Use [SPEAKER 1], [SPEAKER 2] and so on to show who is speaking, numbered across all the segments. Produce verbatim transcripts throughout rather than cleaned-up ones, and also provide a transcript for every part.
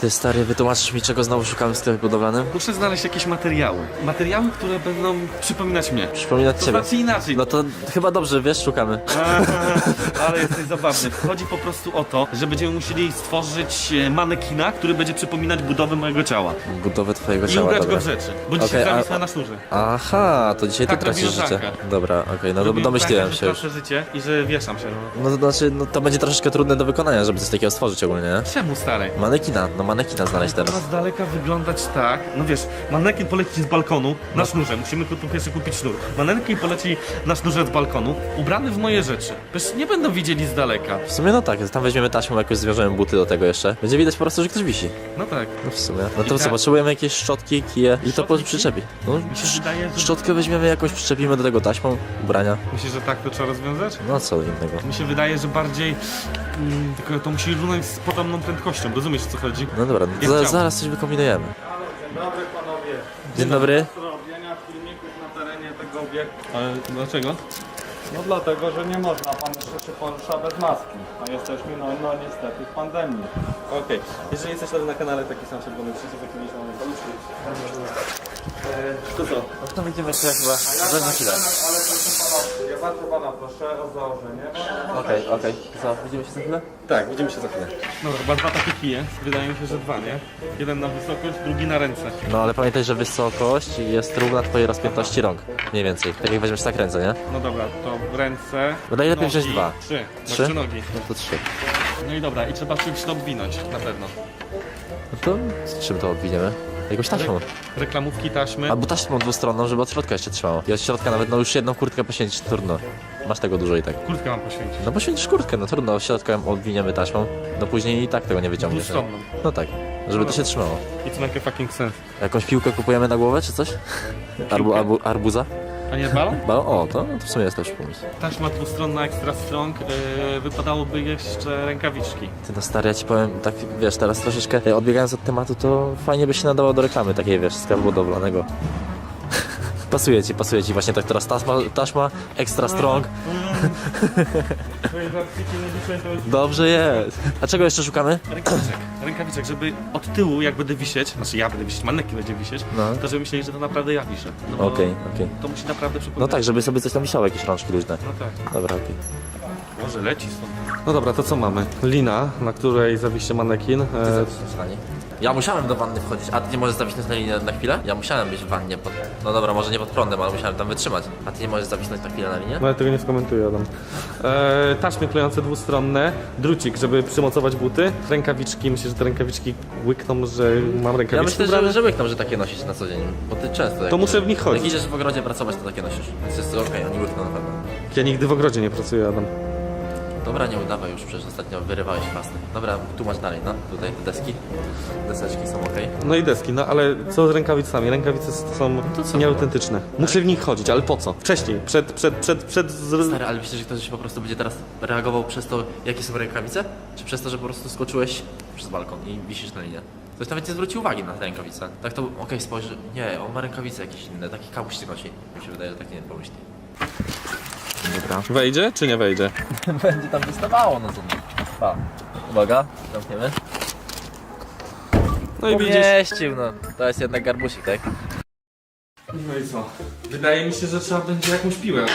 [SPEAKER 1] Ty stary, wytłumaczysz mi, czego znowu szukamy w sklepie budowlanym?
[SPEAKER 2] Muszę znaleźć jakieś materiały. Materiały, które będą przypominać mnie.
[SPEAKER 1] Przypominać
[SPEAKER 2] To
[SPEAKER 1] ciebie.
[SPEAKER 2] znaczy inaczej.
[SPEAKER 1] No to chyba dobrze, wiesz, szukamy.
[SPEAKER 2] Ale jesteś zabawny. Chodzi po prostu o to, że będziemy musieli stworzyć e, manekina, który będzie przypominać budowę mojego ciała.
[SPEAKER 1] Budowę twojego
[SPEAKER 2] I
[SPEAKER 1] ciała,
[SPEAKER 2] ubrać
[SPEAKER 1] dobra.
[SPEAKER 2] go w rzeczy. Bo dzisiaj
[SPEAKER 1] Okej, a-
[SPEAKER 2] zawisła na sznurze.
[SPEAKER 1] Aha, to dzisiaj
[SPEAKER 2] Tak
[SPEAKER 1] ty tracisz
[SPEAKER 2] robi
[SPEAKER 1] życie.
[SPEAKER 2] Rożanka.
[SPEAKER 1] Dobra, okej, no to
[SPEAKER 2] Robiłem
[SPEAKER 1] domyśliłem
[SPEAKER 2] tak,
[SPEAKER 1] się
[SPEAKER 2] że
[SPEAKER 1] już.
[SPEAKER 2] tracę życie i że wieszam się. No.
[SPEAKER 1] No to znaczy, no to będzie troszeczkę trudne do wykonania, żeby coś takiego stworzyć ogólnie, nie?
[SPEAKER 2] Czemu, stary?
[SPEAKER 1] Manekina, no manekina znaleźć
[SPEAKER 2] To ma
[SPEAKER 1] teraz.
[SPEAKER 2] z daleka wyglądać tak. No wiesz, manekin poleci z balkonu na sznurze. Musimy tu pierwszy kupić sznur. Manekin poleci na sznurze z balkonu, ubrany w moje rzeczy. Przecież nie będą widzieli z daleka.
[SPEAKER 1] W sumie no tak, tam weźmiemy taśmą, jakoś zwiążemy buty do tego jeszcze. Będzie widać po prostu, że ktoś wisi.
[SPEAKER 2] No tak.
[SPEAKER 1] No w sumie. No to
[SPEAKER 2] I
[SPEAKER 1] co,
[SPEAKER 2] tak-
[SPEAKER 1] potrzebujemy jakieś szczotki, kije i to po
[SPEAKER 2] Szczotki,
[SPEAKER 1] przyczepi. No,
[SPEAKER 2] Mi się wydaje, że...
[SPEAKER 1] szczotkę weźmiemy jakoś, przyczepimy do tego taśmą, ubrania.
[SPEAKER 2] Myślisz, że tak to trzeba rozwiązać?
[SPEAKER 1] No co innego.
[SPEAKER 2] Mi się wydaje, że bardziej... Mm, tylko to musi runąć z podobną prędkością. Rozumiesz, o co chodzi?
[SPEAKER 1] No dobra, no
[SPEAKER 2] Ja
[SPEAKER 1] za,
[SPEAKER 2] chciałbym.
[SPEAKER 1] zaraz coś wykombinujemy.
[SPEAKER 3] Dzień dobry panowie.
[SPEAKER 1] Dzień dobry.
[SPEAKER 3] Do robienia filmików na terenie tego obiektu.
[SPEAKER 2] Ale dlaczego?
[SPEAKER 3] No dlatego, że nie można, pan jeszcze się porusza bez maski. A jesteśmy no, no niestety w pandemii.
[SPEAKER 2] Okej. Jeżeli jesteś na kanale taki sam czerwony przycisk, jaki mieliśmy na paluszki. To co?
[SPEAKER 1] No to będziemy jeszcze chyba za chwilę.
[SPEAKER 3] Ale proszę pana, ja bardzo pana proszę o założenie.
[SPEAKER 1] Okej, okej. Co, widzimy się za chwilę?
[SPEAKER 2] Tak, widzimy się za chwilę. No chyba dwa takie kije. Wydaje mi się, że dwa, nie? Jeden na wysokość, drugi na ręce.
[SPEAKER 1] No ale pamiętaj, że wysokość jest równa twojej rozpiętości rąk. Mniej więcej. Tak jak weźmiesz tak ręce, nie?
[SPEAKER 2] No dobra, to ręce.
[SPEAKER 1] Bo najlepiej
[SPEAKER 2] nogi.
[SPEAKER 1] wziąć dwa.
[SPEAKER 2] Trzy.
[SPEAKER 1] Trzy?
[SPEAKER 2] Trzy nogi.
[SPEAKER 1] No to trzy.
[SPEAKER 2] No i dobra, i trzeba czymś to obwinąć, na pewno.
[SPEAKER 1] No to z czym to obwiniemy? Jakąś taśmą.
[SPEAKER 2] Reklamówki, taśmy.
[SPEAKER 1] Albo taśmą dwustronną, żeby od środka jeszcze trzymało. I od środka nawet no już jedną kurtkę poświęcić trudno. Masz tego dużo i tak.
[SPEAKER 2] Kurtkę mam poświęcić.
[SPEAKER 1] No poświęcisz kurtkę, no trudno, od środka ją obwiniemy taśmą. No później i tak tego nie wyciągniesz. nie?
[SPEAKER 2] Dwustronną.
[SPEAKER 1] No tak, żeby to się trzymało.
[SPEAKER 2] It's make a fucking sense.
[SPEAKER 1] Jakąś piłkę kupujemy na głowę czy coś? Arbu, arbu, arbuza?
[SPEAKER 2] A nie balon?
[SPEAKER 1] Ba o, to, no to w sumie jest też pomysł.
[SPEAKER 2] Taśma dwustronna, extra strong. Yy, wypadałoby jeszcze rękawiczki.
[SPEAKER 1] Ty no stary, ja ci powiem, tak wiesz, teraz troszeczkę e, odbiegając od tematu, to fajnie by się nadało do reklamy takiej, wiesz, sklepu budowlanego. Pasuje ci, pasuje ci właśnie tak teraz taśma, taśma extra strong.
[SPEAKER 2] Twoje żartiki nie dzisiaj to...
[SPEAKER 1] Dobrze jest. A czego jeszcze szukamy?
[SPEAKER 2] Rękawiczek. Rękawiczek, żeby od tyłu jak będę wisieć, znaczy ja będę wisieć, manekin będzie wisieć,
[SPEAKER 1] No.
[SPEAKER 2] to żeby myśleli, że to naprawdę ja wiszę. No bo
[SPEAKER 1] Okej, okej.
[SPEAKER 2] To musi naprawdę
[SPEAKER 1] No
[SPEAKER 2] przypominać.
[SPEAKER 1] tak, żeby sobie coś tam wisiało, jakieś rączki luźne.
[SPEAKER 2] No tak.
[SPEAKER 1] Dobra, okej.
[SPEAKER 2] Może leci stąd. No dobra, to co mamy? Lina, na której zawiście manekin. E,
[SPEAKER 1] Ja musiałem do wanny wchodzić, a ty nie możesz zawisnąć na linię na chwilę? Ja musiałem być w wannie pod... No dobra, może nie pod prądem, ale musiałem tam wytrzymać. A ty nie możesz zawisnąć na chwilę na linię?
[SPEAKER 2] no ja tego nie skomentuję, Adam. E, taśmy klejące dwustronne, drucik, żeby przymocować buty, rękawiczki, myślę, że te rękawiczki łykną, że mam
[SPEAKER 1] Ja
[SPEAKER 2] rękawiczki
[SPEAKER 1] myślę,
[SPEAKER 2] ubrane.
[SPEAKER 1] że, że łykną, że takie nosisz na co dzień, bo ty często... Jak,
[SPEAKER 2] To muszę w nich
[SPEAKER 1] Jak
[SPEAKER 2] chodzić.
[SPEAKER 1] idziesz w ogrodzie pracować, to takie nosisz. Więc jest okej, oni łykną na pewno.
[SPEAKER 2] Ja nigdy w ogrodzie nie pracuję, Adam.
[SPEAKER 1] Dobra, nie udawaj już, przecież ostatnio wyrywałeś fasty. Dobra, tłumacz dalej, no. Tutaj te deski, deseczki są okej.
[SPEAKER 2] No i deski, no ale co z rękawicami? Rękawice są
[SPEAKER 1] to co?
[SPEAKER 2] nieautentyczne. Muszę w nich chodzić, ale po co? Wcześniej, przed, przed, przed, przed... Z...
[SPEAKER 1] Stary, ale myślisz, że ktoś po prostu będzie teraz reagował przez to, jakie są rękawice? Czy przez to, że po prostu skoczyłeś przez balkon i wisisz na linię? Ktoś nawet nie zwróci uwagi na te rękawice. Tak to, okej, spojrzy, nie, on ma rękawice jakieś inne, taki kapuści nosi. Mi się wydaje, że tak nie pomyśli. Dobra.
[SPEAKER 2] Wejdzie czy nie wejdzie?
[SPEAKER 1] Będzie tam wystawało, no to pa. Uwaga, zamkniemy.
[SPEAKER 2] No i widzisz.
[SPEAKER 1] Pomieścił, no. To jest jednak garbusik, tak?
[SPEAKER 2] No i co? Wydaje mi się, że trzeba będzie jakąś piłę.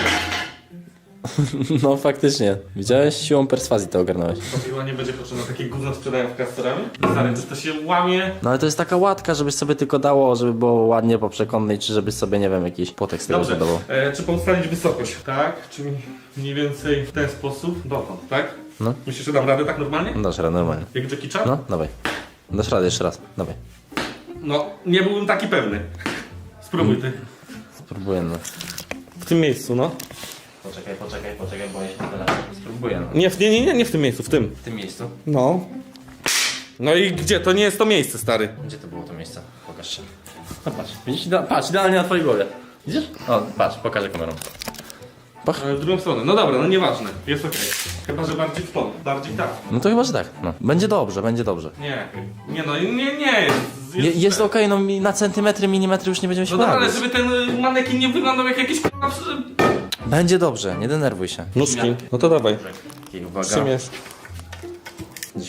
[SPEAKER 1] No faktycznie. Widziałeś? Siłą perswazji to ogarnąłeś.
[SPEAKER 2] To piła nie będzie potrzebna, takie gówno sprzedają w kastorami? Stary, to, to się łamie.
[SPEAKER 1] No ale to jest taka łatka, żebyś sobie tylko dało, żeby było ładnie po przekonnej, czy żebyś sobie, nie wiem, jakiś płotek z tego
[SPEAKER 2] Dobrze,
[SPEAKER 1] zbudował.
[SPEAKER 2] e, czy ustalić wysokość? Tak, czyli mniej więcej w ten sposób, dotąd, tak?
[SPEAKER 1] No.
[SPEAKER 2] Myślisz, że dam radę tak normalnie?
[SPEAKER 1] No dasz radę, normalnie.
[SPEAKER 2] Jak Jackie Chan?
[SPEAKER 1] No, dawaj. Dasz radę jeszcze raz, dawaj.
[SPEAKER 2] No, nie byłbym taki pewny. Spróbuj ty.
[SPEAKER 1] Spróbuję, no.
[SPEAKER 2] W tym miejscu, no.
[SPEAKER 1] Poczekaj, poczekaj, poczekaj, bo ja się tyle. Spróbuję, no.
[SPEAKER 2] Nie, w- nie, nie, nie, nie w tym miejscu, w tym.
[SPEAKER 1] W tym miejscu.
[SPEAKER 2] No. No i gdzie? To nie jest to miejsce, stary.
[SPEAKER 1] Gdzie to było to miejsce? Pokaż się. No patrz, widzisz? Ida- patrz, idealnie na twojej głowie. Widzisz? O, patrz, pokażę kamerą.
[SPEAKER 2] Ale w drugą stronę. No dobra, no nieważne. Jest okej. Chyba, że bardziej w tą. Bardziej tak.
[SPEAKER 1] No to chyba, że tak. No. Będzie dobrze, będzie dobrze.
[SPEAKER 2] Nie. Nie no, nie, nie jest.
[SPEAKER 1] Je, jest okej, no mi- na centymetry, milimetry już nie będziemy się
[SPEAKER 2] No dobra, ale
[SPEAKER 1] bawić.
[SPEAKER 2] żeby ten y, manekin nie wyglądał jak jakiś k***a przy-
[SPEAKER 1] Będzie dobrze, nie denerwuj się.
[SPEAKER 2] Nóżki. No to dawaj.
[SPEAKER 1] Okej, uwaga.
[SPEAKER 2] Przymierz.
[SPEAKER 1] Gdzieś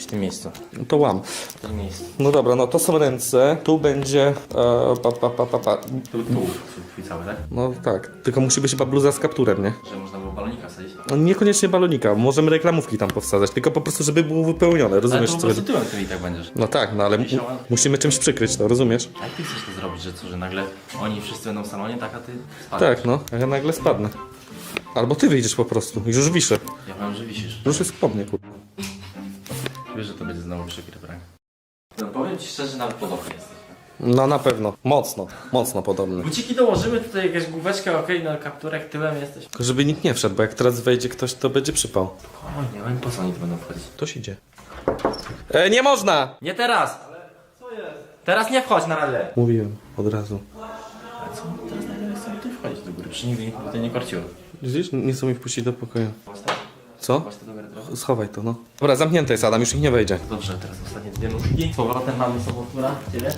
[SPEAKER 1] tym miejscu.
[SPEAKER 2] No to łam.
[SPEAKER 1] W tym miejscu.
[SPEAKER 2] No dobra, no to są ręce, tu będzie... E, pa, pa, pa, pa, pa.
[SPEAKER 1] Tu, tu, twój cały, tak?
[SPEAKER 2] No tak, tylko musi być chyba bluza z kapturem, nie?
[SPEAKER 1] Że można było balonika wsadzić.
[SPEAKER 2] No, niekoniecznie balonika, możemy reklamówki tam powsadzać, tylko po prostu, żeby było wypełnione,
[SPEAKER 1] Ale
[SPEAKER 2] rozumiesz
[SPEAKER 1] to po
[SPEAKER 2] co
[SPEAKER 1] prostu
[SPEAKER 2] chodzi?
[SPEAKER 1] tyłem ty i tak będziesz.
[SPEAKER 2] No tak, no ale mu musimy czymś przykryć to, rozumiesz?
[SPEAKER 1] A jak ty chcesz to zrobić, że co, że nagle oni wszyscy będą w salonie, tak, a ty spadniesz?
[SPEAKER 2] Tak, no, a ja nagle spadnę. Albo ty wyjdziesz po prostu, już już wiszę.
[SPEAKER 1] Ja powiem, że wisisz.
[SPEAKER 2] Już jest po mnie, kurwa.
[SPEAKER 1] Wiesz, że to będzie znowu przykry prank. No powiem ci szczerze, nawet podobny jesteś.
[SPEAKER 2] No na pewno, mocno, mocno podobny.
[SPEAKER 1] Buciki dołożymy, tutaj jakaś główeczka, okej, na kapturek tyłem jesteś.
[SPEAKER 2] Tylko żeby nikt nie wszedł, bo jak teraz wejdzie ktoś, to będzie przypał.
[SPEAKER 1] O nie, ale po co oni tu będą wchodzić?
[SPEAKER 2] Ktoś idzie. E, nie można!
[SPEAKER 1] Nie teraz! Ale co jest? Teraz nie wchodź na radę!
[SPEAKER 2] Mówiłem, od razu.
[SPEAKER 1] Ale co? Teraz nagle chcą tu wchodzić do góry, przecież nigdy nikogo tutaj nie korciło.
[SPEAKER 2] Widzisz, nie chcą mi wpuścić do pokoju.
[SPEAKER 1] Chodź tak,
[SPEAKER 2] Co?
[SPEAKER 1] chodź to do góry trochę.
[SPEAKER 2] Schowaj to, no. Dobra, zamknięte jest Adam, już ich nie wejdzie.
[SPEAKER 1] Dobrze, teraz ostatnie dwie nóżki. Z powrotem mamy sobotktóra, ciebie.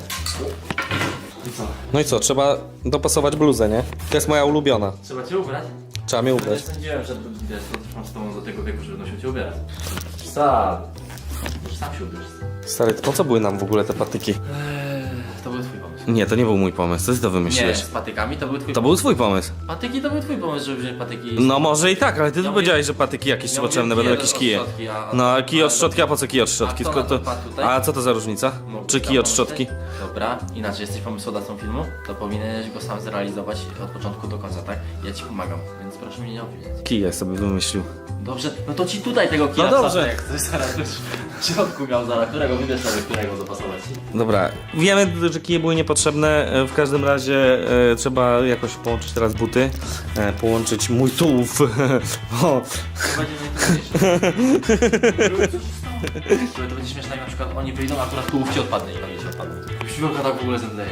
[SPEAKER 1] I co?
[SPEAKER 2] No i co, trzeba dopasować bluzę, nie? To jest moja ulubiona.
[SPEAKER 1] Trzeba cię ubrać?
[SPEAKER 2] Trzeba mnie
[SPEAKER 1] Nie
[SPEAKER 2] ubrać.
[SPEAKER 1] sądziłem, że wiesz, to trwam z tobą do tego wieku, że będą się cię ubierać. Sam. Już sam się ubierz.
[SPEAKER 2] Stary, po co były nam w ogóle te patyki?
[SPEAKER 1] Eee, to był twój pomysł.
[SPEAKER 2] Nie, to nie był mój pomysł, co ty to
[SPEAKER 1] Nie,
[SPEAKER 2] wymyśliłeś?
[SPEAKER 1] z patykami to był twój
[SPEAKER 2] To
[SPEAKER 1] pomysł.
[SPEAKER 2] był twój pomysł.
[SPEAKER 1] Patyki to był twój pomysł, żeby wziąć patyki.
[SPEAKER 2] No może i tak, ale ty
[SPEAKER 1] Ja
[SPEAKER 2] tu
[SPEAKER 1] mówię-
[SPEAKER 2] powiedziałeś, że patyki jakieś
[SPEAKER 1] Ja
[SPEAKER 2] potrzebne,
[SPEAKER 1] mówię,
[SPEAKER 2] będą
[SPEAKER 1] kije
[SPEAKER 2] jakieś
[SPEAKER 1] od
[SPEAKER 2] kije.
[SPEAKER 1] szczotki, a-
[SPEAKER 2] No a kij od
[SPEAKER 1] ale-
[SPEAKER 2] szczotki, a po co kij od szczotki?
[SPEAKER 1] A kto
[SPEAKER 2] Tylko
[SPEAKER 1] na
[SPEAKER 2] to...
[SPEAKER 1] to wpadł tutaj?
[SPEAKER 2] A co to za różnica?
[SPEAKER 1] Mógł
[SPEAKER 2] Czy kij od
[SPEAKER 1] tam
[SPEAKER 2] szczotki?
[SPEAKER 1] pomyśleć? Dobra, inaczej jesteś pomysłodawcą filmu, to powinieneś go sam zrealizować od początku do końca, tak? Ja ci pomagam, więc proszę mnie nie obwiniać.
[SPEAKER 2] Kije sobie wymyślił.
[SPEAKER 1] Dobrze, no to ci tutaj tego kija
[SPEAKER 2] No dobrze.
[SPEAKER 1] wsadzę, jak chcesz zaraz już w środku miał zaraz, którego wybierz sobie, którego dopasować ci.
[SPEAKER 2] Dobra, wiemy, że kije były niepotrzebne, e, w każdym razie e, trzeba jakoś połączyć teraz buty, e, połączyć mój tułów, bo...
[SPEAKER 1] To będzie najtrudniejsze. To będzie śmieszne, jak na przykład oni wyjdą, a akurat tułów ci odpadnie i oni ci odpadną. Siłka tak w ogóle zemdleje.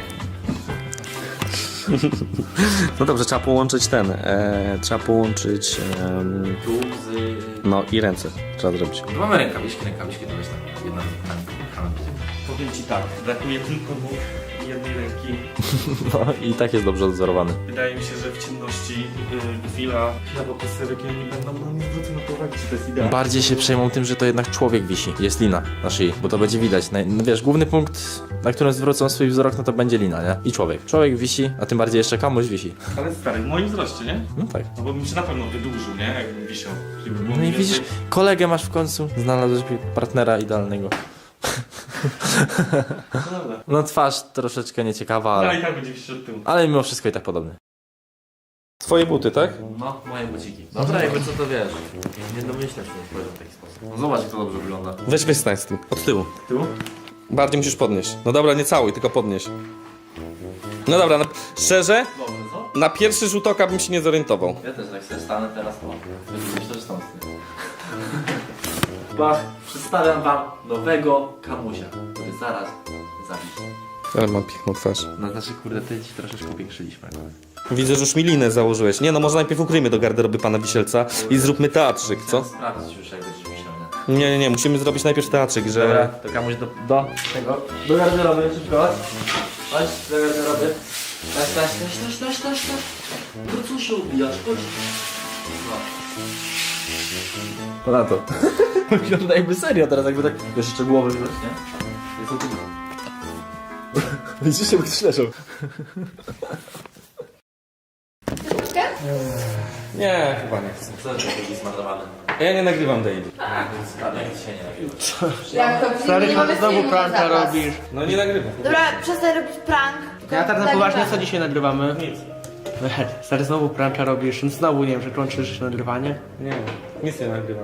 [SPEAKER 2] No dobrze, trzeba połączyć ten, e, trzeba połączyć, em,
[SPEAKER 1] Tułów z...
[SPEAKER 2] no i ręce trzeba zrobić.
[SPEAKER 1] Tu mamy rękawiczki, rękawiczki to jest tak, jedna tam.
[SPEAKER 2] Powiem ci tak, brakuje tylko nóg i jednej ręki.
[SPEAKER 1] No i tak jest dobrze odzorowany.
[SPEAKER 2] Wydaje mi się, że w ciemności y, chwila, chwila po posterek nie będą na mnie zwrócą na to uwagi, czy to jest idealne.
[SPEAKER 1] Bardziej się przejmą tym, że to jednak człowiek wisi. Jest lina na szyi, bo to będzie widać. Naj- No wiesz, główny punkt, na którym zwrócą swój wzrok, no to będzie lina, nie? I człowiek. Człowiek wisi, a tym bardziej jeszcze komuś wisi.
[SPEAKER 2] Ale stary, w moim wzroście, nie?
[SPEAKER 1] No tak.
[SPEAKER 2] No bo bym się na pewno wydłużył, nie? Jakbym wisiał. Żeby było
[SPEAKER 1] No i
[SPEAKER 2] mniej
[SPEAKER 1] widzisz,
[SPEAKER 2] więcej-
[SPEAKER 1] kolegę masz w końcu, znalazłeś partnera idealnego.
[SPEAKER 2] No dobra.
[SPEAKER 1] No twarz troszeczkę nieciekawa,
[SPEAKER 2] Ale
[SPEAKER 1] ale,
[SPEAKER 2] i tak będzie wisiał od tyłu.
[SPEAKER 1] ale mimo wszystko i tak podobny.
[SPEAKER 2] Twoje buty, tak?
[SPEAKER 1] No, moje buciki. Dobra, jakby co to wiesz. Nie domyślę się, że w taki sposób. No zobacz, jak to dobrze wygląda.
[SPEAKER 2] Weź wystań z tym, od tyłu.
[SPEAKER 1] Tu?
[SPEAKER 2] Bardziej musisz podnieść. No dobra, nie całuj, tylko podnieś. No dobra, na, szczerze,
[SPEAKER 1] Dobrze, co?
[SPEAKER 2] na pierwszy rzut oka bym się nie zorientował.
[SPEAKER 1] Ja też tak sobie stanę teraz, o. Myślę, że stąd. Bach, przedstawiam wam nowego kamusia, który zaraz zabić.
[SPEAKER 2] Ale mam piękną twarz.
[SPEAKER 1] No znaczy, kurde, ty ci troszeczkę upiększyliśmy.
[SPEAKER 2] Widzę, że już mi linę założyłeś. Nie no, może najpierw ukryjmy do garderoby pana Wisielca i zróbmy teatrzyk, co?
[SPEAKER 1] Chcę sprawdzić już, jak będziesz wisiał, nie?
[SPEAKER 2] Nie, nie, nie, musimy zrobić najpierw teatrzyk, że...
[SPEAKER 1] Dobra, to kamuś do, do tego, do garderoby, szybko, chodź. Chodź, do garderoby. Taś, taś, taś, taś, taś, taś, taś. No co się ubijasz, chodź. No. To na to. Wygląda jakby serio teraz, jakby tak, wiesz, jeszcze głowy wziąć, nie? Jest o tym. Widzisz, jakby ktoś leżał.
[SPEAKER 2] Nie, chyba nie chcę.
[SPEAKER 1] Co to taki zmarnowany?
[SPEAKER 2] Ja nie nagrywam daily.
[SPEAKER 1] Tak, więc jak dzisiaj nie nagrywasz?
[SPEAKER 4] Jak to
[SPEAKER 3] Stary,
[SPEAKER 4] nie mamy
[SPEAKER 3] znowu
[SPEAKER 4] filmu
[SPEAKER 3] pranka
[SPEAKER 4] za was.
[SPEAKER 3] robisz.
[SPEAKER 2] No nie nagrywam.
[SPEAKER 4] Dobra, przestań robić prank.
[SPEAKER 3] Ja tak na
[SPEAKER 4] Nagrywamy.
[SPEAKER 3] poważnie, co dzisiaj nagrywamy?
[SPEAKER 2] Nic.
[SPEAKER 3] Stary, znowu pranka robisz. Znowu, nie wiem, że kończysz nagrywanie?
[SPEAKER 2] Nie, nic nie nagrywam.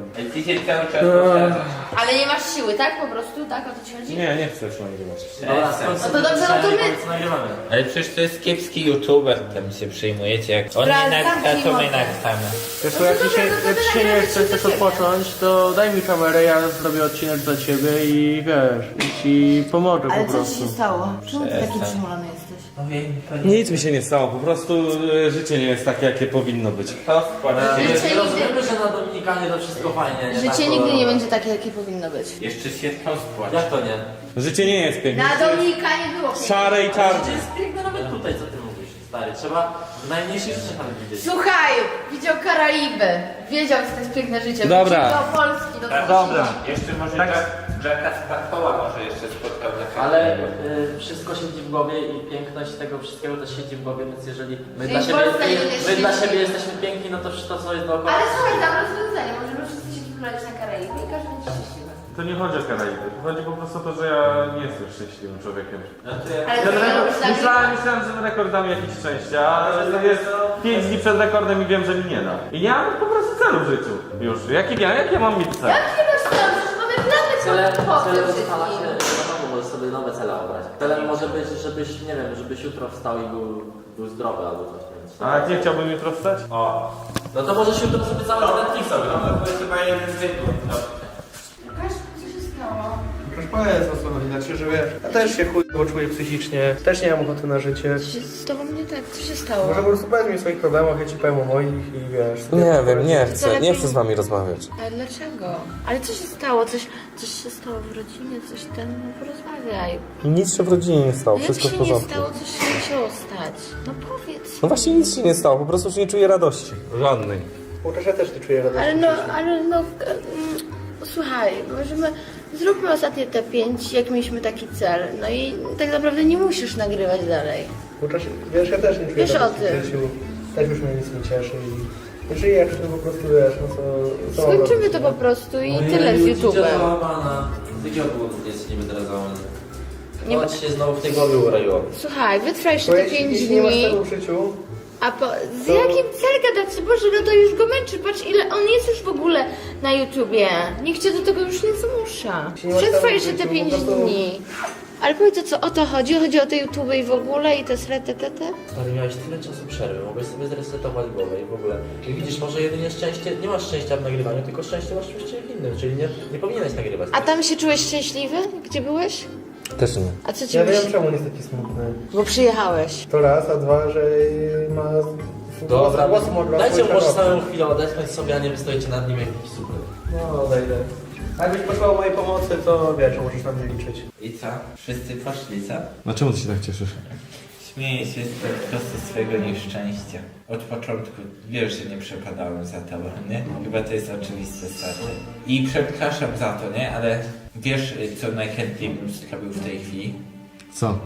[SPEAKER 4] Ale nie masz siły, tak? Po prostu, tak? O to ci chodzi?
[SPEAKER 2] Nie, nie chcę już nagrywać.
[SPEAKER 1] Dobra,
[SPEAKER 4] No to dobrze, no to my-
[SPEAKER 1] nagrywamy.
[SPEAKER 5] Ale przecież to jest kiepski youtuber, tam się przejmujecie, jak on
[SPEAKER 4] Dobra,
[SPEAKER 5] nie nagra,
[SPEAKER 4] zamknij
[SPEAKER 5] to my
[SPEAKER 4] mordę.
[SPEAKER 5] nagramy.
[SPEAKER 3] Wiesz co, jak
[SPEAKER 4] to
[SPEAKER 3] dzisiaj,
[SPEAKER 4] dobra, to
[SPEAKER 3] jak
[SPEAKER 4] dobra,
[SPEAKER 3] dzisiaj nie
[SPEAKER 4] nagramy
[SPEAKER 3] chcesz
[SPEAKER 4] się
[SPEAKER 3] też
[SPEAKER 4] do ciebie.
[SPEAKER 3] odpocząć, to daj mi kamerę, ja zrobię odcinek dla ciebie i wiesz, i ci pomogę
[SPEAKER 4] Ale
[SPEAKER 3] po
[SPEAKER 4] co
[SPEAKER 3] prostu.
[SPEAKER 4] ci się stało? Czemu ty taki
[SPEAKER 5] Przestań.
[SPEAKER 4] przymulony jesteś?
[SPEAKER 2] Nic mi się nie stało, po prostu e, życie nie jest takie, jakie powinno być.
[SPEAKER 4] Życie nigdy,
[SPEAKER 1] Rozumiemy, że na Dominikanie to wszystko fajnie, nie?
[SPEAKER 4] życie
[SPEAKER 1] Tak,
[SPEAKER 4] nigdy
[SPEAKER 1] to-
[SPEAKER 4] nie będzie takie, jakie powinno być.
[SPEAKER 5] Jeszcze świetną spłać.
[SPEAKER 1] Jak to nie?
[SPEAKER 2] Życie nie jest piękne.
[SPEAKER 4] Na Dominika nie było pieniędzy.
[SPEAKER 2] Szare i
[SPEAKER 1] Ale
[SPEAKER 2] czarne.
[SPEAKER 1] życie jest piękne nawet tutaj, co ty mówisz, stary. Trzeba w najmniejszych rzeczach nawet widzieć.
[SPEAKER 4] Słuchaj, widział Karaiby. Wiedział, co to jest piękne życie.
[SPEAKER 2] Dobra.
[SPEAKER 4] Wrócił do Polski, do
[SPEAKER 3] Dobra,
[SPEAKER 5] Jeszcze może
[SPEAKER 3] Tak.
[SPEAKER 5] tak, Jacka Sparrowa może jeszcze spotkał na
[SPEAKER 1] Ale
[SPEAKER 5] kartę.
[SPEAKER 1] y, wszystko siedzi w głowie i piękność tego wszystkiego też siedzi w głowie, więc jeżeli my
[SPEAKER 4] Czyli
[SPEAKER 1] dla
[SPEAKER 4] w
[SPEAKER 1] siebie,
[SPEAKER 4] Polsce nie
[SPEAKER 1] my
[SPEAKER 4] jest
[SPEAKER 1] dla
[SPEAKER 4] świetnie.
[SPEAKER 1] siebie jesteśmy piękni, no to wszystko co jest dookoła.
[SPEAKER 4] Ale słuchaj, dam rozwiązanie. Możemy wszyscy się wybrać na Karaiby i każdy będzie szczęśliwy.
[SPEAKER 3] To nie chodzi o Karaiby. Chodzi po prostu o to, że ja nie jestem szczęśliwym człowiekiem.
[SPEAKER 4] Ale
[SPEAKER 3] Ten
[SPEAKER 4] co
[SPEAKER 3] rekord,
[SPEAKER 4] robisz tak?
[SPEAKER 3] myślałem, myślałem, że ten rekord da mi jakieś szczęście, ale to jest pięć dni przed rekordem i wiem, że mi nie da. I nie mam po prostu celu w życiu już. Jaki ja, jak ja mam mieć cel?
[SPEAKER 4] Jak nie masz celu? Przecież mamy plany
[SPEAKER 1] Cele,
[SPEAKER 4] po
[SPEAKER 1] cele
[SPEAKER 4] tym
[SPEAKER 1] ustala się,
[SPEAKER 4] wszystkim.
[SPEAKER 1] wiadomo, możesz sobie nowe cele obrać. Celem może być, żebyś, nie wiem, żebyś jutro wstał i był, był zdrowy albo coś. Więc...
[SPEAKER 3] A jak nie chciałbym jutro wstać?
[SPEAKER 5] O,
[SPEAKER 1] No to możesz jutro sobie cały Netflix
[SPEAKER 5] no
[SPEAKER 1] oglądać.
[SPEAKER 5] to jest chyba jeden z zwykłych. No.
[SPEAKER 4] Łukasz, co się stało?
[SPEAKER 6] Proszę powiedz o co chodzi, znaczy, że wiesz, ja też się chuj czuję psychicznie, też nie mam ochoty na życie.
[SPEAKER 4] Co się z tobą nie tak? Co się stało?
[SPEAKER 6] Może po prostu powiedz mi o swoich problemach, ja ci powiem o moich i wiesz...
[SPEAKER 7] Nie wiem, nie
[SPEAKER 4] To
[SPEAKER 7] chcę,
[SPEAKER 4] lepiej-
[SPEAKER 7] nie chcę z wami rozmawiać.
[SPEAKER 4] Ale dlaczego? Ale co się stało? Coś, coś się stało w rodzinie? Coś ten... No porozmawiaj.
[SPEAKER 7] Nic się w rodzinie nie stało,
[SPEAKER 4] Jak
[SPEAKER 7] wszystko w
[SPEAKER 4] się nie
[SPEAKER 7] porządku.
[SPEAKER 4] stało? Coś się musiało stać. No powiedz.
[SPEAKER 7] No właśnie nic się nie stało, po prostu już nie czuję radości. Żadnej.
[SPEAKER 6] Chociaż ja też nie czuję radości.
[SPEAKER 4] Ale no, ale no... mm, Słuchaj, możemy... Zróbmy ostatnie te pięć, jak mieliśmy taki cel. No i tak naprawdę nie musisz nagrywać dalej.
[SPEAKER 6] Chociaż, wiesz, ja też nie czuję
[SPEAKER 4] Wiesz o
[SPEAKER 6] radości
[SPEAKER 4] tym.
[SPEAKER 6] w życiu. Też już mnie nic nie cieszy i... Nie żyję, to po prostu wiesz, no co... co mam
[SPEAKER 4] Skończymy
[SPEAKER 6] robić,
[SPEAKER 4] to
[SPEAKER 6] nie?
[SPEAKER 4] po prostu i tyle z YouTube'em.
[SPEAKER 1] Załamana. Z jakiego powodu jest niby teraz załamany?
[SPEAKER 4] Nie
[SPEAKER 1] Nie
[SPEAKER 4] ma-
[SPEAKER 1] ma ci się znowu w tej głowie uroiło.
[SPEAKER 4] Słuchaj, wytrwaj jeszcze
[SPEAKER 6] Bo
[SPEAKER 4] te
[SPEAKER 6] jeśli,
[SPEAKER 4] pięć
[SPEAKER 6] jeśli nie masz
[SPEAKER 4] dni.
[SPEAKER 6] celu w życiu,
[SPEAKER 4] A po, z jakim cel gadać? Boże, no to już go męczy. Patrz, ile on jest już w ogóle na YouTubie. Nikt cię do tego już nie zmusza.
[SPEAKER 6] Jeśli nie masz
[SPEAKER 4] Przetrwaj
[SPEAKER 6] celu w
[SPEAKER 4] jeszcze te
[SPEAKER 6] życiu,
[SPEAKER 4] pięć
[SPEAKER 6] po prostu-
[SPEAKER 4] dni. Ale powiedz, to co o to chodzi? Chodzi o te YouTube i w ogóle i te srete, te, te?
[SPEAKER 1] Stary, miałeś tyle czasu przerwy, mogłeś sobie zresetować głowę i w ogóle. I widzisz, może jedynie szczęście, nie masz szczęścia w nagrywaniu, tylko szczęście masz w czymś innym, czyli nie, nie powinieneś nagrywać.
[SPEAKER 4] A tam się czułeś szczęśliwy? Gdzie byłeś?
[SPEAKER 7] Też nie.
[SPEAKER 4] A co ci
[SPEAKER 6] ja
[SPEAKER 4] myśli?
[SPEAKER 6] wiem czemu on jest taki smutny.
[SPEAKER 4] Bo przyjechałeś.
[SPEAKER 6] To raz, a dwa, że ma...
[SPEAKER 1] Dobra,
[SPEAKER 6] głos modulacji
[SPEAKER 1] dajcie mu może
[SPEAKER 6] czarowca.
[SPEAKER 1] samą chwilę odetchnąć sobie, a nie wystoicie nad nim jak jakiś super.
[SPEAKER 6] No, odejdę. A jakbyś potrzebował mojej pomocy, to wiesz, możesz na mnie liczyć.
[SPEAKER 5] I co? Wszyscy poszli, co?
[SPEAKER 7] A czemu ty się tak cieszysz?
[SPEAKER 5] Śmieję się z po prostu swojego nieszczęścia. Od początku wiesz, że nie przepadałem za tobą, nie? Chyba to jest oczywiste, stary. I przepraszam za to, nie? Ale wiesz, co najchętniej bym zrobił w tej chwili?
[SPEAKER 7] Co?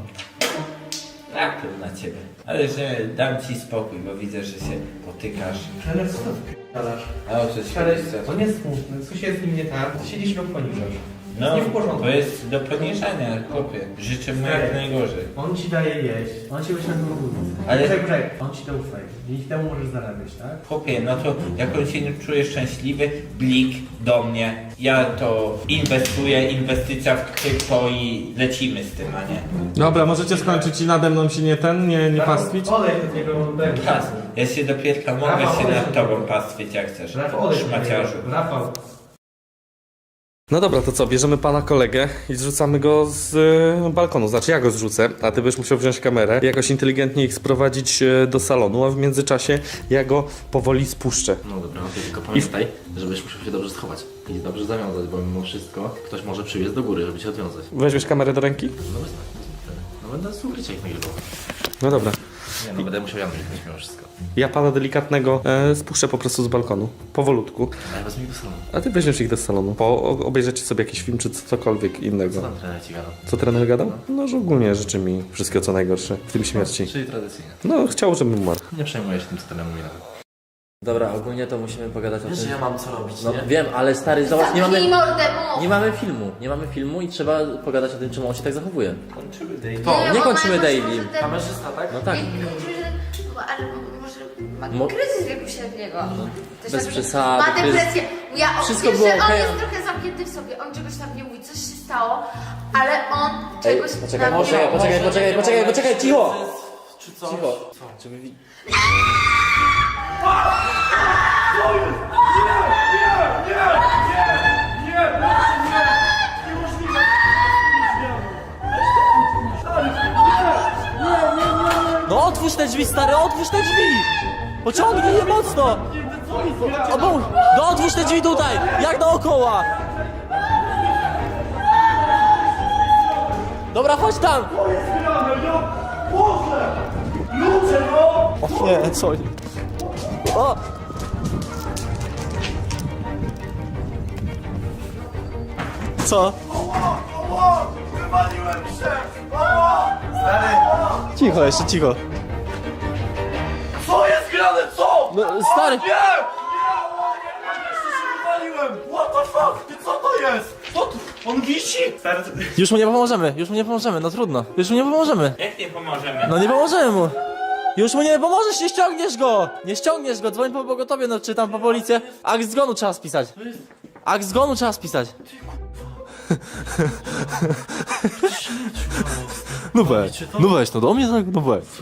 [SPEAKER 5] Tak, na ciebie. Ale że dam ci spokój, bo widzę, że się potykasz.
[SPEAKER 6] Ale co to wpierdalasz?
[SPEAKER 5] A o co ci
[SPEAKER 6] Ale
[SPEAKER 5] chodzi?
[SPEAKER 6] on jest smutny, coś jest z nim nie tak, ty siedzisz i go poniżasz.
[SPEAKER 5] No,
[SPEAKER 6] nie w porządku.
[SPEAKER 5] to jest do poniżania, chłopie. Życzę mu jak najgorzej.
[SPEAKER 6] On ci daje jeść, on ci wyśle na budowę.
[SPEAKER 5] Ale-
[SPEAKER 6] Czekaj, czekaj, on ci to ufaje. Dzięki temu możesz zarabiać, tak?
[SPEAKER 5] Chłopie, no to jak on się nie czuje szczęśliwy, blik do mnie. Ja to inwestuję, inwestycja w krypto i lecimy z tym, a nie?
[SPEAKER 7] Dobra, możecie skończyć i nade mną się nie ten, nie, nie pastwić?
[SPEAKER 6] Olej do niego oddech.
[SPEAKER 5] Pas, ja się dopiero mogę
[SPEAKER 6] Rafał,
[SPEAKER 5] się
[SPEAKER 6] olej
[SPEAKER 5] nad
[SPEAKER 6] do
[SPEAKER 5] tobą
[SPEAKER 6] niego.
[SPEAKER 5] pastwić jak chcesz.
[SPEAKER 6] Rafał, olej do niego.
[SPEAKER 5] Szmaciarzu.
[SPEAKER 6] Rafał.
[SPEAKER 7] No dobra, to co, bierzemy pana kolegę i zrzucamy go z e, balkonu. Znaczy ja go zrzucę, a ty byś musiał wziąć kamerę i jakoś inteligentnie ich sprowadzić e, do salonu, a w międzyczasie ja go powoli spuszczę.
[SPEAKER 1] No dobra, no tylko pamiętaj, żebyś musiał się dobrze schować i dobrze zawiązać, bo mimo wszystko ktoś może przybiec do góry, żeby cię odwiązać.
[SPEAKER 7] Weźmiesz kamerę do ręki?
[SPEAKER 1] No bez tak, wtedy. No będę z ukrycia ich nagrywał.
[SPEAKER 7] No dobra.
[SPEAKER 1] Nie no, będę musiał ja nagrywać mimo wszystko.
[SPEAKER 7] Ja pana delikatnego e, spuszczę po prostu z balkonu, powolutku,
[SPEAKER 1] A ja wezmę ich do salonu.
[SPEAKER 7] a ty weźmiesz ich do salonu. Po, o- obejrzycie sobie jakiś film czy cokolwiek
[SPEAKER 1] Co
[SPEAKER 7] innego.
[SPEAKER 1] tam trener ci gadał?
[SPEAKER 7] Co trener gadał? No, że ogólnie życzy mi wszystkiego co najgorsze, w tym śmierci.
[SPEAKER 1] Czyli tradycyjnie.
[SPEAKER 7] No, chciał, żebym umarł.
[SPEAKER 1] Nie przejmuję się tym, co trener mówi nawet. Dobra, ogólnie to musimy pogadać o
[SPEAKER 8] Wiesz,
[SPEAKER 1] tym.
[SPEAKER 8] że ja mam co robić,
[SPEAKER 1] No
[SPEAKER 8] nie?
[SPEAKER 1] wiem, ale stary, zobacz, nie mamy,
[SPEAKER 4] Zamknij mordę, mów!
[SPEAKER 1] nie mamy filmu. Nie mamy filmu i trzeba pogadać o tym, czemu on się tak zachowuje.
[SPEAKER 5] Kończymy daily.
[SPEAKER 1] To, nie
[SPEAKER 4] bo
[SPEAKER 1] kończymy
[SPEAKER 4] ma-
[SPEAKER 1] daily.
[SPEAKER 4] może ten-
[SPEAKER 8] Kamerzysta, tak?
[SPEAKER 1] No tak.
[SPEAKER 4] Nie, kończymy, że- bo- ale może ma
[SPEAKER 1] Mo-
[SPEAKER 4] kryzys wieku średniego. Też
[SPEAKER 1] Bez
[SPEAKER 4] tak,
[SPEAKER 1] przesady,
[SPEAKER 4] Ma
[SPEAKER 1] kryzys-
[SPEAKER 4] depresję. Ja on,
[SPEAKER 1] Wszystko
[SPEAKER 4] wiesz,
[SPEAKER 1] było
[SPEAKER 4] że on
[SPEAKER 1] okej.
[SPEAKER 4] jest trochę zamknięty w sobie, on czegoś tam nie mówi, coś się stało, ale on
[SPEAKER 1] Ej,
[SPEAKER 4] czegoś
[SPEAKER 1] poczekaj,
[SPEAKER 4] tam
[SPEAKER 1] poczekaj,
[SPEAKER 4] nie
[SPEAKER 1] poczekaj,
[SPEAKER 8] Może
[SPEAKER 1] poczekaj,
[SPEAKER 8] nie
[SPEAKER 1] poczekaj,
[SPEAKER 8] moment,
[SPEAKER 1] poczekaj, cicho!
[SPEAKER 8] Czy coś?
[SPEAKER 1] Cicho.
[SPEAKER 8] Co?
[SPEAKER 1] Czy wy... wi- No otwórz te drzwi, stary, otwórz te drzwi! Pociągnij je mocno! O, bo, no otwórz te drzwi tutaj, jak dookoła! Dobra, chodź tam! O nie, co? O!
[SPEAKER 8] Co? Cicho, jeszcze cicho.
[SPEAKER 2] Co jest grane, co?
[SPEAKER 8] No, stary!
[SPEAKER 2] Nie! What the fuck? Ty co to jest? Co tu? On wisi?
[SPEAKER 8] Już mu nie pomożemy, już mu nie pomożemy, no trudno. Już mu nie pomożemy.
[SPEAKER 5] Jak nie pomożemy?
[SPEAKER 8] No nie pomożemy mu. Już mu nie pomożesz, nie ściągniesz go! Nie ściągniesz go, dzwoń po pogotowie, no czy tam po policję. Akt zgonu trzeba spisać. Akt zgonu trzeba spisać. No weź, no weź, no do mnie tak, no weź.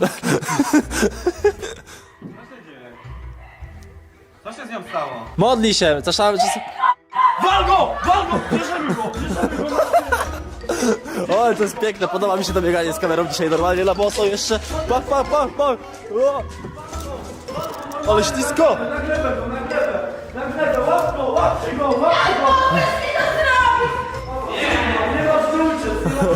[SPEAKER 3] Co się z nią stało?
[SPEAKER 8] Modli się, czasami...
[SPEAKER 2] Wal go! Wal go! Bierzemy go! Bierzemy go!
[SPEAKER 8] O, to jest piękne, podoba mi się to bieganie z kamerą dzisiaj normalnie na boso jeszcze. Pach, pach, pach, pach. O! Ale ślisko!
[SPEAKER 2] Nagle, łap go! Łapcie go! Łapcie go! Nie ma wrócie!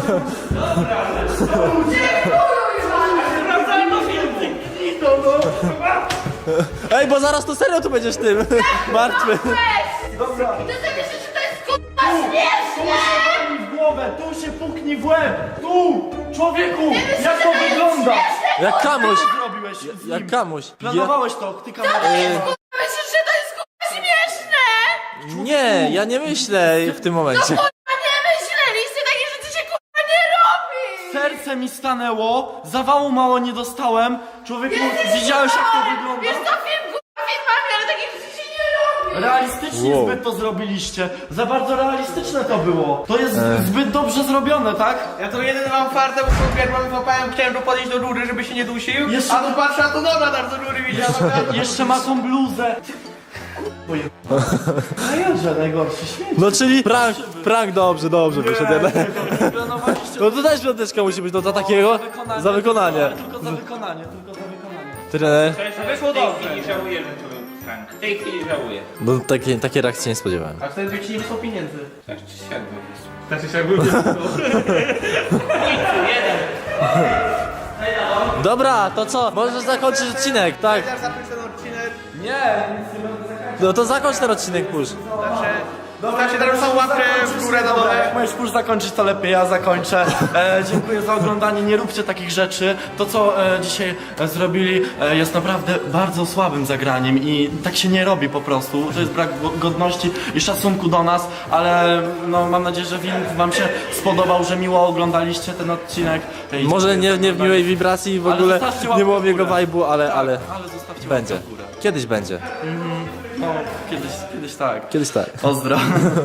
[SPEAKER 2] Sprawdzajmy film! Idą, no!
[SPEAKER 8] Ej, bo zaraz to serio tu będziesz tym martwy.
[SPEAKER 2] Dobra!
[SPEAKER 4] Ty sobie myślisz, że to jest kurwa śmieszne!
[SPEAKER 2] W głowę! Tu się puknij w łeb! Tu! Człowieku! Jak to wygląda?
[SPEAKER 8] Jak kamuś,
[SPEAKER 2] Co zrobiłeś z nim?
[SPEAKER 8] jak kamuś.
[SPEAKER 2] Planowałeś to, ty kamerę.
[SPEAKER 4] Myślisz, że to jest kurwa śmieszne!
[SPEAKER 8] Nie, ja nie myślę w tym momencie.
[SPEAKER 4] Kurwa nie myśleliście, takie rzeczy się kurwa nie robi!
[SPEAKER 2] Serce mi stanęło, zawału mało nie dostałem. Człowieku, widziałeś jak to wygląda?
[SPEAKER 4] Wiesz co, film kurwa filmami, ale takie rzeczy się nie robi!
[SPEAKER 2] Realistycznie
[SPEAKER 8] Wow.
[SPEAKER 2] zbyt to zrobiliście. Za bardzo realistyczne to było. To jest zbyt dobrze zrobione, tak?
[SPEAKER 6] Ja to jedyny mam fartę, bo sobie pierwszy złapałem, chciałem tu podejść do rury, żeby się nie dusił.
[SPEAKER 2] Jeszcze-
[SPEAKER 6] A tu patrzę, a tu dobra, tam do rury widziałem.
[SPEAKER 2] Jeszcze ma tą bluzę. Boję. Najgorsze, najgorszy śmiech.
[SPEAKER 8] No czyli prank, prank dobrze, dobrze wyszedł jednak. No to też piąteczka musi być, no za takiego, za wykonanie.
[SPEAKER 2] Tylko za wykonanie, tylko za wykonanie.
[SPEAKER 8] Trener,
[SPEAKER 5] W tej chwili żałuję, że to był prank. W tej chwili żałuję.
[SPEAKER 8] no takie, takie reakcje nie spodziewałem.
[SPEAKER 6] A wtedy by ci nie wysłał pieniędzy.
[SPEAKER 5] Tak czy siak był wysłał.
[SPEAKER 3] Znaczy się jakby
[SPEAKER 8] Dobra, to co? Możesz zakończyć odcinek, tak?
[SPEAKER 6] Ja zapiszę ten odcinek.
[SPEAKER 8] No to zakończ ten odcinek, push.
[SPEAKER 6] Zostawcie teraz tą łapkę w górę na dole.
[SPEAKER 2] Jak możesz już zakończyć, to lepiej ja zakończę. E, dziękuję za oglądanie, nie róbcie takich rzeczy. To co e, dzisiaj e, zrobili e, jest naprawdę bardzo słabym zagraniem i tak się nie robi po prostu. To jest brak go- godności i szacunku do nas, ale no, mam nadzieję, że film wam się spodobał, że miło oglądaliście ten odcinek. E, i
[SPEAKER 8] Może
[SPEAKER 2] dziękuję
[SPEAKER 8] nie,
[SPEAKER 2] za
[SPEAKER 8] nie w
[SPEAKER 2] oglądanie.
[SPEAKER 8] miłej wibracji w
[SPEAKER 2] Ale
[SPEAKER 8] ogóle,
[SPEAKER 2] zostawcie
[SPEAKER 8] nie
[SPEAKER 2] łapkę
[SPEAKER 8] było
[SPEAKER 2] w
[SPEAKER 8] jego
[SPEAKER 2] górę.
[SPEAKER 8] vibe'u, ale,
[SPEAKER 2] Tak,
[SPEAKER 8] ale
[SPEAKER 2] ale zostawcie
[SPEAKER 8] będzie.
[SPEAKER 2] łapkę w górę.
[SPEAKER 8] Kiedyś będzie.
[SPEAKER 2] No, kiedyś, kiedyś tak.
[SPEAKER 8] Kiedyś tak.
[SPEAKER 2] Pozdro.